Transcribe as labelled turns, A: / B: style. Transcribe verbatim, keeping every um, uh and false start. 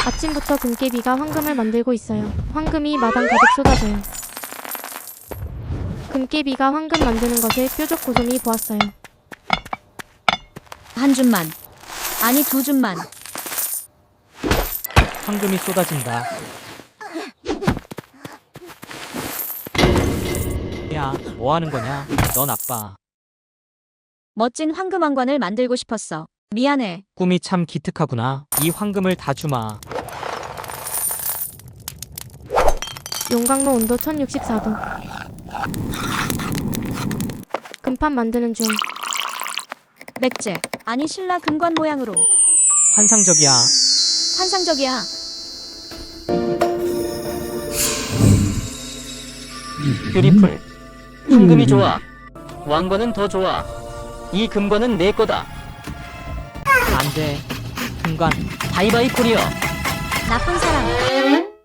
A: 아침부터 금깨비가 황금을 만들고 있어요. 황금이 마당 가득 쏟아져요. 금깨비가 황금 만드는 것을 뾰족 고솜이 보았어요.
B: 한 줌만. 아니 두 줌만.
C: 황금이 쏟아진다. 야, 뭐 하는 거냐? 넌 아빠.
B: 멋진 황금 왕관을 만들고 싶었어. 미안해.
C: 꿈이 참 기특하구나. 이 황금을 다 주마.
A: 용광로 온도 천육십사 도. 금판 만드는 중.
B: 맥제. 아니 신라 금관 모양으로.
C: 환상적이야.
B: 환상적이야.
D: 뷰티풀. 황금이 좋아. 왕관은 더 좋아. 이 금관은 내 거다.
C: 안 돼. 금관.
D: 바이바이 코리어.
B: 나쁜 사람.